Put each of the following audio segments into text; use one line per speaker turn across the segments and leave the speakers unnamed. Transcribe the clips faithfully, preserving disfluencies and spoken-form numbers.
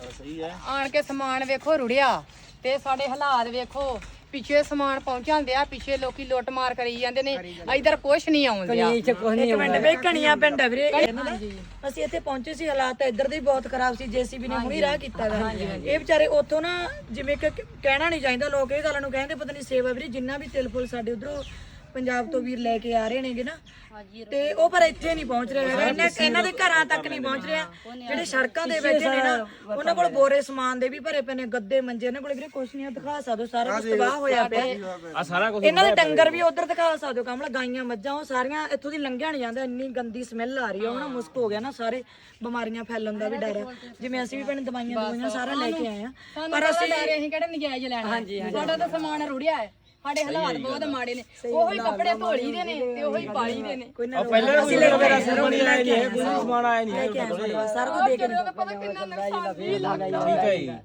ਸਹੀ ਹੈ।
ਆਣ ਕੇ ਸਮਾਨ ਵੇਖੋ ਰੁੜਿਆ ਤੇ ਸਾਡੇ ਹਾਲਾਤ ਵੇਖੋ ਪਿੱਛੇ ਸਮਾਨ ਪਹੁੰਚਾਉਂਦੇ ਆ ਪਿੱਛੇ ਲੋਕੀ ਲੁੱਟ ਮਾਰ ਕਰੀ ਜਾਂਦੇ ਨੇ ਇਧਰ ਕੁਛ ਨਹੀਂ ਆਉਂਦਿਆ
ਇੱਕ ਮਿੰਟ ਵੇ ਕਣੀਆਂ ਪਿੰਡ ਆ ਵੀਰੇ ਅਸੀਂ ਇੱਥੇ ਪਹੁੰਚੇ ਸੀ ਹਾਲਾਤ ਇੱਧਰ ਦੇ ਬਹੁਤ ਖਰਾਬ ਸੀ ਜੇਸੀਬੀ ਨੇ ਹੁਣੀ ਰਾਹ ਕੀਤਾ ਗਾ ਇਹ ਵਿਚਾਰੇ ਉੱਥੋਂ ਨਾ ਜਿਵੇਂ ਕਿ ਕਹਿਣਾ ਨਹੀਂ ਚਾਹੀਦਾ ਲੋਕ ਇਹ ਗੱਲ ਨੂੰ ਕਹਿੰਦੇ ਪਤਾ ਨਹੀਂ ਸੇਵਾ ਵੀਰੇ ਜਿੰਨਾ ਵੀ ਤਿਲ ਫੁੱਲ ਸਾਡੇ ਉਧਰੋਂ ਪੰਜਾਬ ਤੋਂ ਵੀਰ ਲੈ ਕੇ ਆ ਰਹੇ ਨੇਗੇ ਨਾ ਤੇ ਉਹ ਪਰ ਇੱਥੇ ਨਹੀਂ ਪਹੁੰਚ ਰਿਹਾ ਹੈਗਾ ਇਹਨਾਂ ਇਹਨਾਂ ਦੇ ਘਰਾਂ ਤੱਕ ਨਹੀਂ ਪਹੁੰਚ ਰਿਹਾ ਜਿਹੜੇ ਸੜਕਾਂ ਦੇ ਬੈਠੇ ਨੇ ਨਾ ਉਹਨਾਂ ਕੋਲ ਬੋਰੇ ਸਮਾਨ ਦੇ ਵੀ ਭਰੇ ਪਏ ਨੇ ਗੱਦੇ ਮੰਜੇ ਇਹਨਾਂ ਕੋਲ ਵੀਰੇ ਕੁਛ ਨਹੀਂ ਦਿਖਾ ਸਕਦੇ ਸਾਰਾ ਕੁਝ ਤਬਾਹ ਹੋਇਆ ਪਿਆ
ਆ ਸਾਰਾ ਕੁਝ
ਇਹਨਾਂ ਦੇ ਡੰਗਰ ਵੀ ਉਧਰ ਦਿਖਾ ਸਕਦੇ ਹੋ ਕਮਲਾ ਗਾਈਆਂ ਮੱਝਾਂ ਉਹ ਸਾਰੀਆਂ ਇੱਥੋਂ ਦੀ ਲੰਘਿਆ ਨਹੀਂ ਜਾਂਦਾ ਇੰਨੀ ਗੰਦੀ ਸਮੈਲ ਆ ਰਹੀ ਹੈ ਉਹ ਨਾ ਮੁਸਕ ਹੋ ਗਿਆ ਨਾ ਸਾਰੇ ਬਿਮਾਰੀਆਂ ਫੈਲਣ ਦਾ ਵੀ ਡਰ ਹੈ ਜਿਵੇਂ ਅਸੀਂ ਵੀ ਭੈਣ ਦਵਾਈਆਂ ਦਵਾਈਆਂ ਸਾਰਾ ਲੈ ਕੇ ਆਏ ਆ ਪਰ ਅਸੀਂ
ਅਸੀਂ ਕਿਹੜੇ ਨਜਾਇਜ਼ ਲੈਣਾ ਸਾਡਾ ਤਾਂ ਸਮਾਨ ਰੁੜਿਆ ਹੈ ਸਾਡੇ ਹਾਲਾਤ ਬਹੁਤ ਮਾੜੇ ਨੇ ਉਹੀ ਕੱਪੜੇ ਧੋਲੀ ਦੇ ਨੇ ਤੇ ਉਹੀ ਪਾਲੀ ਦੇ ਨੇ
ਕੋਈ ਨਾ
ਪਹਿਲੇ ਕੋਈ ਮੇਰਾ ਸਮਾਨ ਆਇਆ ਨਹੀਂ ਹੈ ਕੋਈ ਸਮਾਨ ਆਇਆ ਨਹੀਂ ਹੈ
ਸਾਰਾ ਕੁਝ ਦੇ ਕੇ
ਪਤਾ ਕਿੰਨਾ ਨੁਕਸਾਨ ਵੀ ਲੱਗਦਾ
ਠੀਕ ਹੈ ਜੀ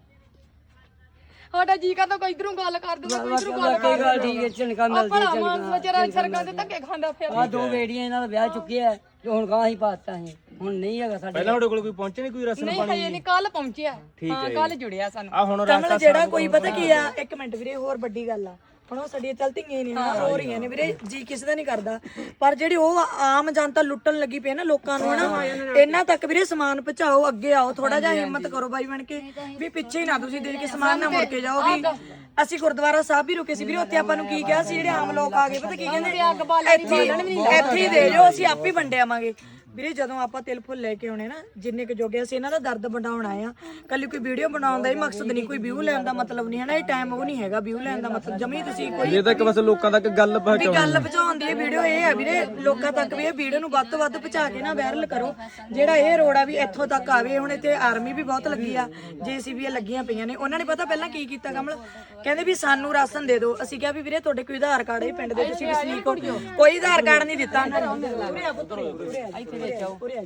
ਸਾਡਾ ਜੀ ਕਾ ਤਾਂ ਕੋਈ ਇਧਰੋਂ ਗੱਲ ਕਰ ਦੂਗਾ ਕੋਈ ਇਧਰੋਂ ਗੱਲ ਕਰ
ਗੱਲ ਠੀਕ ਹੈ ਝਣਕਾ ਮਿਲ
ਭਲਾ ਮਾਨ ਵਿਚਾਰਾ ਸਰਕਾਂ ਦੇ ਧੱਕੇ ਖਾਂਦਾ ਫਿਰ
ਆ ਦੋ ਬੇੜੀਆਂ ਇਹਨਾਂ ਦਾ ਵਿਆਹ ਚੁੱਕਿਆ ਜੋ ਹੁਣ ਗਾਂ ਹੀ ਪਾਤਾ ਹੈ ਹੁਣ ਨਹੀਂ ਹੈਗਾ ਸਾਡੇ
ਪਹਿਲਾਂ ਤੁਹਾਡੇ ਕੋਲ ਕੋਈ ਪਹੁੰਚੇ ਨਹੀਂ ਕੋਈ ਰਸਮ
ਨਹੀਂ ਹਜੇ ਨਹੀਂ ਕੱਲ ਪਹੁੰਚਿਆ ਹਾਂ ਕੱਲ ਜੁੜਿਆ ਸਾਨੂੰ
ਆ ਹੁਣ
ਕਮਲ ਜਿਹੜਾ ਕੋਈ ਪਤਾ ਕੀ ਆ ਇੱਕ ਮਿੰਟ ਵੀਰੇ ਹੋਰ ਵੱਡੀ ਗੱਲ ਆ ਹੁਣ ਉਹ ਸਾਡੀਆਂ ਚਲਤੀਆਂ ਨੇ ਹੋ ਰਹੀਆਂ ਨੇ ਵੀਰੇ ਜੀ ਕਿਸੇ ਦਾ ਨਹੀਂ ਕਰਦਾ ਪਰ ਜਿਹੜੀ ਉਹ ਆਮ ਜਨਤਾ ਲੁੱਟਣ ਲੱਗੀ ਪਈ ਨਾ ਲੋਕਾਂ ਨੂੰ ਹਨਾ ਇਹਨਾਂ ਤੱਕ ਵੀਰੇ ਸਮਾਨ ਪਹੁੰਚਾਓ ਅੱਗੇ ਆਓ ਥੋੜਾ ਜਿਹਾ ਹਿੰਮਤ ਕਰੋ ਬਾਈ ਬਣ ਕੇ ਵੀ ਪਿੱਛੇ ਹੀ ਨਾ ਤੁਸੀਂ ਦੇ ਕੇ ਸਮਾਨ ਨਾ ਮੁੜ ਕੇ ਜਾਓ ਵੀ ਅਸੀਂ ਗੁਰਦੁਆਰਾ ਸਾਹਿਬ ਵੀ ਰੁਕੇ ਸੀ ਵੀਰੇ ਉੱਥੇ ਆਪਾਂ ਨੂੰ ਕੀ ਕਿਹਾ ਸੀ ਜਿਹੜੇ ਆਮ ਲੋਕ ਆ ਗਏ ਪਤਾ ਕੀ ਕਹਿੰਦੇ ਇੱਥੇ ਇੱਥੇ ਹੀ ਦੇ ਜਾਓ ਅਸੀਂ ਆਪ ਹੀ ਵੰਡਿਆਵਾਂਗੇ ਵੀਰੇ ਜਦੋਂ ਆਪਾਂ ਤਿਲ ਫੁੱਲ ਲੈ ਕੇ ਆਉਣੇ ਨਾ ਜਿੰਨੇ ਕੁ ਜੋਗੇ ਅਸੀਂ ਇਹਨਾਂ ਦਾ ਦਰਦ ਵੰਡਾਉਣ ਆਏ ਆ ਕੱਲੀ ਕੋਈ ਵੀਡੀਓ ਬਣਾਉਣ ਦਾ ਹੀ ਮਕਸਦ ਨਹੀਂ ਕੋਈ ਵਿਊ ਲੈਣ ਦਾ ਮਤਲਬ ਨਹੀਂ ਹੈ ਨਾ ਇਹ ਟਾਈਮ ਉਹ ਨਹੀਂ ਹੈਗਾ ਵਿਊ ਲੈਣ ਦਾ ਮਤਲਬ ਜਮੀ ਤੁਸੀਂ ਕੋਈ
ਇਹ ਤਾਂ ਇੱਕ ਬਸ ਲੋਕਾਂ ਤੱਕ ਗੱਲ
ਵੀ ਗੱਲ ਪਹੁੰਚਾਉਣ ਦੀ ਇਹ ਵੀਡੀਓ ਇਹ ਹੈ ਵੀਰੇ ਲੋਕਾਂ ਤੱਕ ਵੀ ਇਹ ਵੀਡੀਓ ਨੂੰ ਵੱਧ ਤੋਂ ਵੱਧ ਪਹੁੰਚਾ ਕੇ ਨਾ ਵਾਇਰਲ ਕਰੋ ਜਿਹੜਾ ਇਹ ਰੋਡ ਆ ਵੀ ਇੱਥੋਂ ਤੱਕ ਆਵੇ ਹੁਣ ਇੱਥੇ ਆਰਮੀ ਵੀ ਬਹੁਤ ਲੱਗੀ ਆ ਜੇਸੀਬੀ ਲੱਗੀਆਂ ਪਈਆਂ ਨੇ ਉਹਨਾਂ ਨੇ ਪਤਾ ਪਹਿਲਾਂ ਕੀ ਕੀਤਾ ਕਮਲ ਕਹਿੰਦੇ ਵੀ ਸਾਨੂੰ ਰਾਸ਼ਨ ਦੇ ਦਿਓ ਅਸੀਂ ਕਿਹਾ ਵੀ ਵੀਰੇ ਤੁਹਾਡੇ ਕੋਈ ਆਧਾਰ ਕਾਰਡ ਹੈ ਪਿੰਡ ਦੇ ਤੁਸੀਂ ਵਸਨੀਕ ਹੋ ਕੋਈ ਆਧਾਰ ਕਾਰਡ ਨਹੀਂ ਦਿੱਤਾ ਉਹਨਾਂ ਨੇ ਪੂਰੇ ਆ ਪੁੱਤਰ ਇੱਥੇ ਵਿੱਚ ਆਓ ਪੂਰੇ ਆ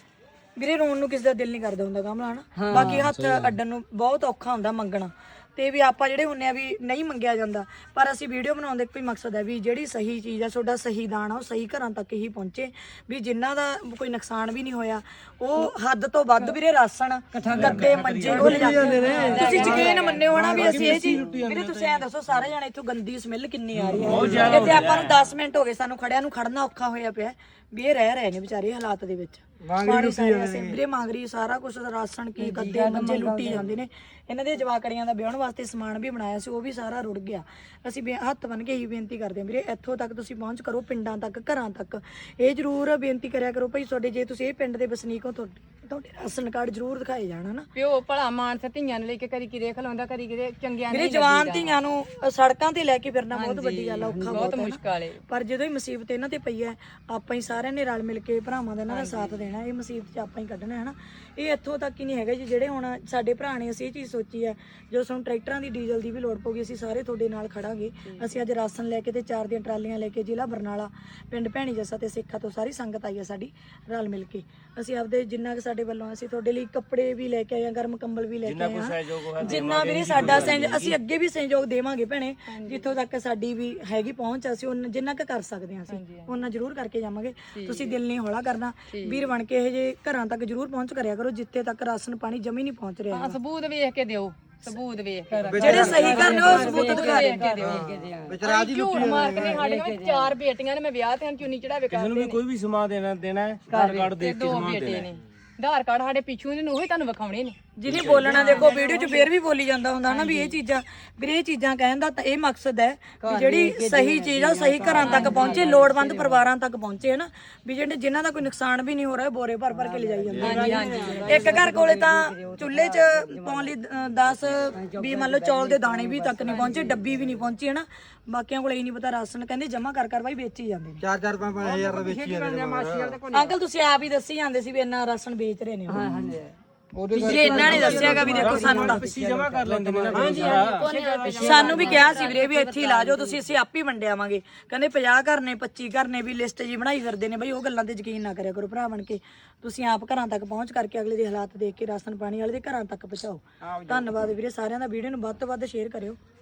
ਵੀਰੇ ਰੋਣ ਨੂੰ ਕਿਸੇ ਦਾ ਦਿਲ ਨਹੀਂ ਕਰਦਾ ਹੁੰਦਾ ਕਮਲਾ ਹਨਾ ਬਾਕੀ ਹੱਥ ਅੱਡਣ ਨੂੰ ਬਹੁਤ ਔਖਾ ਹੁੰਦਾ ਮੰਗਣਾ ਤੇ ਵੀ ਆਪਾਂ ਜਿਹੜੇ ਹੁੰਨੇ ਆ ਵੀ ਨਹੀਂ ਮੰਗਿਆ ਜਾਂਦਾ ਪਰ ਅਸੀਂ ਵੀਡੀਓ ਬਣਾਉਣ ਦਾ ਕੋਈ ਮਕਸਦ ਹੈ ਵੀ ਜਿਹੜੀ ਸਹੀ ਚੀਜ਼ ਆ ਤੁਹਾਡਾ ਸਹੀ ਦਾਨ ਆ ਉਹ ਸਹੀ ਘਰਾਂ ਤੱਕ ਹੀ ਪਹੁੰਚੇ ਵੀ ਜਿਨ੍ਹਾਂ ਦਾ ਕੋਈ ਨੁਕਸਾਨ ਵੀ ਨਹੀਂ ਹੋਇਆ ਉਹ ਹੱਦ ਤੋਂ ਵੱਧ ਵੀਰੇ ਰਾਸ਼ਨ ਗੱਦੇ ਮੰਜੇ ਉਹ ਲੈ ਜਾਂਦੇ ਨੇ ਤੁਸੀਂ ਯਕੀਨ ਮੰਨਿਓ ਹਨਾ ਵੀ ਅਸੀਂ ਇਹ ਚੀਜ਼ ਵੀਰੇ ਤੁਸੀਂ ਐਂ ਦੱਸੋ ਸਾਰੇ ਜਾਣੇ ਇੱਥੋਂ ਗੰਦੀ ਸਮੈਲ ਕਿੰਨੀ ਆ ਰਹੀ ਹੈ ਇੱਥੇ ਆਪਾਂ ਨੂੰ ਦਸ ਮਿੰਟ ਹੋ ਗਏ ਸਾਨੂੰ ਖੜਿਆਂ ਨੂੰ ਖੜਨਾ ਔਖਾ ਹੋਇਆ ਪਿਆ ਵੀ ਇਹ ਰਹਿ ਰਹੇ ਨੇ ਵਿਚਾਰੇ ਹਾਲਾਤ ਦੇ ਵਿੱਚ ਪਾਣੀ ਸਾਰੇ ਵੀਰੇ ਮੰਗਰੀ ਸਾਰਾ ਕੁਝ ਰਾਸ਼ਨ ਕੀ ਗੱਦੇ ਮੰਜੇ ਲੁੱਟੀ ਜਾਂਦੇ ਨੇ ਇਹਨਾਂ ਦੇ ਜਵਾਕੜੀਆਂ ਦਾ ਵਿਆਹਣ ਵਾਸਤੇ ਸਮਾਨ ਵੀ ਬਣਾਇਆ ਸੀ ਉਹ ਵੀ ਸਾਰਾ ਰੁੜ ਗਿਆ ਅਸੀਂ ਹੱਥ ਬੰਨ ਕੇ ਹੀ ਬੇਨਤੀ ਕਰਦੇ ਹਾਂ ਵੀਰੇ ਇੱਥੋਂ ਤੱਕ ਤੁਸੀਂ ਪਹੁੰਚ ਕਰੋ ਪਿੰਡਾਂ ਤੱਕ ਘਰਾਂ ਤੱਕ ਇਹ ਜ਼ਰੂਰ ਬੇਨਤੀ ਕਰਿਆ ਕਰੋ ਭਾਈ ਤੁਹਾਡੇ ਜੇ ਤੁਸੀਂ ਇਹ ਪਿੰਡ ਦੇ ਵਸਨੀਕ ਹੋ ਤੁਹਾਡੇ ਰਾਸ਼ਨ ਕਾਰਡ ਜ਼ਰੂਰ ਦਿਖਾਏ ਜਾਣ ਹਨਾ
ਪਿਓ ਭਲਾ ਮਾਨਸ ਧੀਆਂ ਨੂੰ ਲੈ ਕੇ ਕਰੀ ਕਿਰੇ ਖਲਾਉਂਦਾ ਕਰੀ ਕਿਰੇ ਚੰਗਿਆਂ
ਵੀਰੇ ਜਵਾਨ ਧੀਆਂ ਨੂੰ ਸੜਕਾਂ ਤੇ ਲੈ ਕੇ ਫਿਰਨਾ ਬਹੁਤ ਵੱਡੀ ਗੱਲ ਆ ਔਖਾ
ਬਹੁਤ ਮੁਸ਼ਕਲ ਹੈ
ਪਰ ਜਦੋਂ ਹੀ ਮੁਸੀਬਤ ਇਹਨਾਂ ਤੇ ਪਈ ਹੈ ਆਪਾਂ ਹੀ ਸਾਰਿਆਂ ਨੇ ਰਲ ਮਿਲ ਕੇ ਭਰਾਵਾਂ ਦਾ ਇਹਨਾਂ ਦਾ ਸਾਥ ਦੇਣਾ ਇਹ ਮੁਸੀਬਤ 'ਚ ਆਪਾਂ ਹੀ ਕੱਢਣਾ ਹੈ ਨਾ ਇਹ ਇੱਥੋਂ ਤੱਕ ਹੀ ਨਹੀਂ ਹੈਗਾ ਜੀ ਜਿਹੜੇ ਹੁਣ ਸਾਡੇ ਭਰਾ ਨੇ ਅਸੀਂ ਇਹ ਚੀਜ਼ ਸੋਚੀ ਹੈ ਜਦੋਂ ਸਾਨੂੰ ਟਰੈਕਟਰਾਂ ਦੀ ਡੀਜ਼ਲ ਦੀ ਵੀ ਲੋੜ ਪਊਗੀ ਅਸੀਂ ਸਾਰੇ ਤੁਹਾਡੇ ਨਾਲ ਖੜਾਂਗੇ ਅਸੀਂ ਅੱਜ ਰਾਸ਼ਨ ਲੈ ਕੇ ਤੇ ਚਾਰ ਦੀਆਂ ਟਰਾਲੀਆਂ ਲੈ ਕੇ ਜ਼ਿਲ੍ਹਾ ਬਰਨਾਲਾ ਪਿੰਡ ਭੈਣੀ ਜੱਸਾ ਤੇ ਸਿੱਖਾ ਤੋਂ ਸਾਰੀ ਸੰਗਤ ਆਈ ਹੈ ਸਾਡੀ ਰਲ ਮਿਲ ਕੇ ਅਸੀਂ ਆਪਦੇ ਜਿੰਨਾ ਕਿ ਸਾਡੇ ਵੱਲੋਂ ਅਸੀਂ ਤੁਹਾਡੇ ਲਈ ਕੱਪੜੇ ਵੀ ਲੈ ਕੇ ਆਏ ਆ ਗਰਮ ਕੰਬਲ ਵੀ ਲੈ ਕੇ ਆਏ ਆ ਜਿੰਨਾ ਵੀ ਸਾਡਾ ਅਸੀਂ ਅੱਗੇ ਵੀ ਸਹਿਯੋਗ ਦੇਵਾਂਗੇ ਭੈਣੇ ਜਿੱਥੋਂ ਤੱਕ ਸਾਡੀ ਵੀ ਹੈਗੀ ਪਹੁੰਚ ਅਸੀਂ ਉਹਨਾਂ ਜਿੰਨਾ ਕੁ ਕਰ ਸਕਦੇ ਹਾਂ ਅਸੀਂ ਉਹਨਾਂ ਜ਼ਰੂਰ ਕਰਕੇ ਜਾਵਾਂਗੇ ਤੁਸੀਂ ਦਿਲ ਨਹੀਂ ਹੌਲਾ ਕਰਨਾ ਵੀਰ ਬਣ ਕੇ ਇਹ ਜੇ ਘਰਾਂ ਤੱਕ ਜ਼ਰੂਰ ਪਹੁੰਚ ਕਰਿਆ ਕਰੋ ਜਿੱਥੇ ਤੱਕ ਰਾਸ਼ਨ ਪਾਣੀ ਜਮੀ ਨਹੀਂ ਪਹੁੰਚ ਰਿਹਾ
ਸਬੂਤ ਵੇਖ ਕੇ ਦਿਓ ਸਬੂਤ ਵੇਖ ਕੇ
ਜਿਹੜੇ ਸਹੀ ਕਰਨ ਉਹ ਸਬੂਤ ਦਿਖਾ
ਕੇ ਦਿਓ ਵਿਚਾਰਾ ਜੀ ਝੂਠ ਮਾਰ ਕੇ ਨਹੀਂ ਸਾਡੇ ਕੋਲ ਚਾਰ ਬੇਟੀਆਂ ਨੇ ਮੈਂ ਵਿਆਹ ਤੇ ਚੁੰਨੀ ਚੜਾਵੇ ਕਰਦੇ
ਕਿਸੇ ਨੂੰ ਵੀ ਕੋਈ ਵੀ ਸਮਾਨ ਦੇਣਾ ਦੇਣਾ ਹੈ ਆਧਾਰ ਕਾਰਡ ਦੇਖ ਕੇ ਸਮਾਨ ਦੇਣਾ ਹੈ
ਆਧਾਰ ਕਾਰਡ ਸਾਡੇ ਪਿੱਛੋਂ ਨੇ ਉਹੀ ਤੁਹਾਨੂੰ ਵਿਖਾਉਣੇ ਨੇ
ਜਿਹਨੇ ਬੋਲਣਾ ਦੇਖੋ ਵੀਡੀਓ 'ਚ ਫੇਰ ਵੀ ਬੋਲੀ ਜਾਂਦਾ ਹੁੰਦਾ ਨਾ ਵੀ ਇਹ ਚੀਜ਼ਾਂ ਵੀਰੇ ਇਹ ਚੀਜ਼ਾਂ ਕਹਿਣ ਦਾ ਤਾਂ ਇਹ ਮਕਸਦ ਹੈ ਕਿ ਜਿਹੜੀ ਸਹੀ ਚੀਜ਼ ਆ ਸਹੀ ਘਰਾਂ ਤੱਕ ਪਹੁੰਚੇ ਲੋੜਵੰਦ ਪਰਿਵਾਰਾਂ ਤੱਕ ਪਹੁੰਚੇ ਹੈ ਨਾ ਵੀ ਜਿਹੜੇ ਜਿਨ੍ਹਾਂ ਦਾ ਕੋਈ ਨੁਕਸਾਨ ਵੀ ਨਹੀਂ ਹੋ ਰਿਹਾ ਬੋਰੇ ਭਰ ਭਰ ਕੇ ਲਿਜਾਈ ਜਾਂਦੇ ਇੱਕ ਘਰ ਕੋਲੇ ਤਾਂ ਚੁੱਲ੍ਹੇ 'ਚ ਪਾਉਣ ਲਈ ਦਸ ਵੀ ਮੰਨ ਲਓ ਚੌਲ ਦੇ ਦਾਣੇ ਵੀ ਤੱਕ ਨਹੀਂ ਪਹੁੰਚੇ ਡੱਬੀ ਵੀ ਨਹੀਂ ਪਹੁੰਚੀ ਹੈ ਨਾ ਬਾਕੀਆਂ ਕੋਲ ਇਹ ਨਹੀਂ ਪਤਾ ਰਾਸ਼ਨ ਕਹਿੰਦੇ ਜਮਾ ਕਰ ਕਰ ਬਾਈ ਵੇਚੀ ਜਾਂਦੇ ਨੇ
ਚਾਰ ਚਾਰ ਪੰਜ ਪੰਜ ਹਜ਼ਾਰ ਦਾ ਵੇਚੀ ਜਾਂਦੇ ਨੇ
ਅੰਕਲ ਤੁਸੀਂ ਆਪ ਹੀ ਦੱਸੀ ਜਾਂਦੇ ਸੀ ਵੀ ਇੰਨਾ ਰਾਸ਼ਨ ਵੇਚ ਰਹੇ ਨੇ ਹਾਂ ਹਾਂ ਜੇ ਇਹਨਾਂ ਨੇ ਦੱਸਿਆਗਾ ਵੀ ਦੇਖੋ ਸਾਨੂੰ ਤਾਂ
ਜਮਾ ਕਰ ਲੈਂਦੇ ਨੇ ਨਾ
ਸਾਨੂੰ ਵੀ ਕਿਹਾ ਸੀ ਵੀਰੇ ਵੀ ਇੱਥੇ ਹੀ ਲਾ ਜਾਓ ਤੁਸੀਂ ਅਸੀਂ ਆਪ ਹੀ ਵੰਡਿਆਵਾਂਗੇ ਕਹਿੰਦੇ ਪੰਜਾਹ ਘਰ ਨੇ ਪੱਚੀ ਘਰ ਨੇ ਵੀ ਲਿਸਟ ਜੀ ਬਣਾਈ ਫਿਰਦੇ ਨੇ ਬਈ ਉਹ ਗੱਲਾਂ ਤੇ ਯਕੀਨ ਨਾ ਕਰਿਆ ਕਰੋ ਭਰਾ ਬਣ ਕੇ ਤੁਸੀਂ ਆਪ ਘਰਾਂ ਤੱਕ ਪਹੁੰਚ ਕਰਕੇ ਅਗਲੇ ਦੇ ਹਾਲਾਤ ਦੇਖ ਕੇ ਰਾਸ਼ਨ ਪਾਣੀ ਵਾਲੇ ਦੇ ਘਰਾਂ ਤੱਕ ਪਹੁੰਚਾਓ ਧੰਨਵਾਦ ਵੀਰੇ ਸਾਰਿਆਂ ਦਾ ਵੀਡੀਓ ਨੂੰ ਵੱਧ ਤੋਂ ਵੱਧ ਸ਼ੇਅਰ ਕਰਿਓ।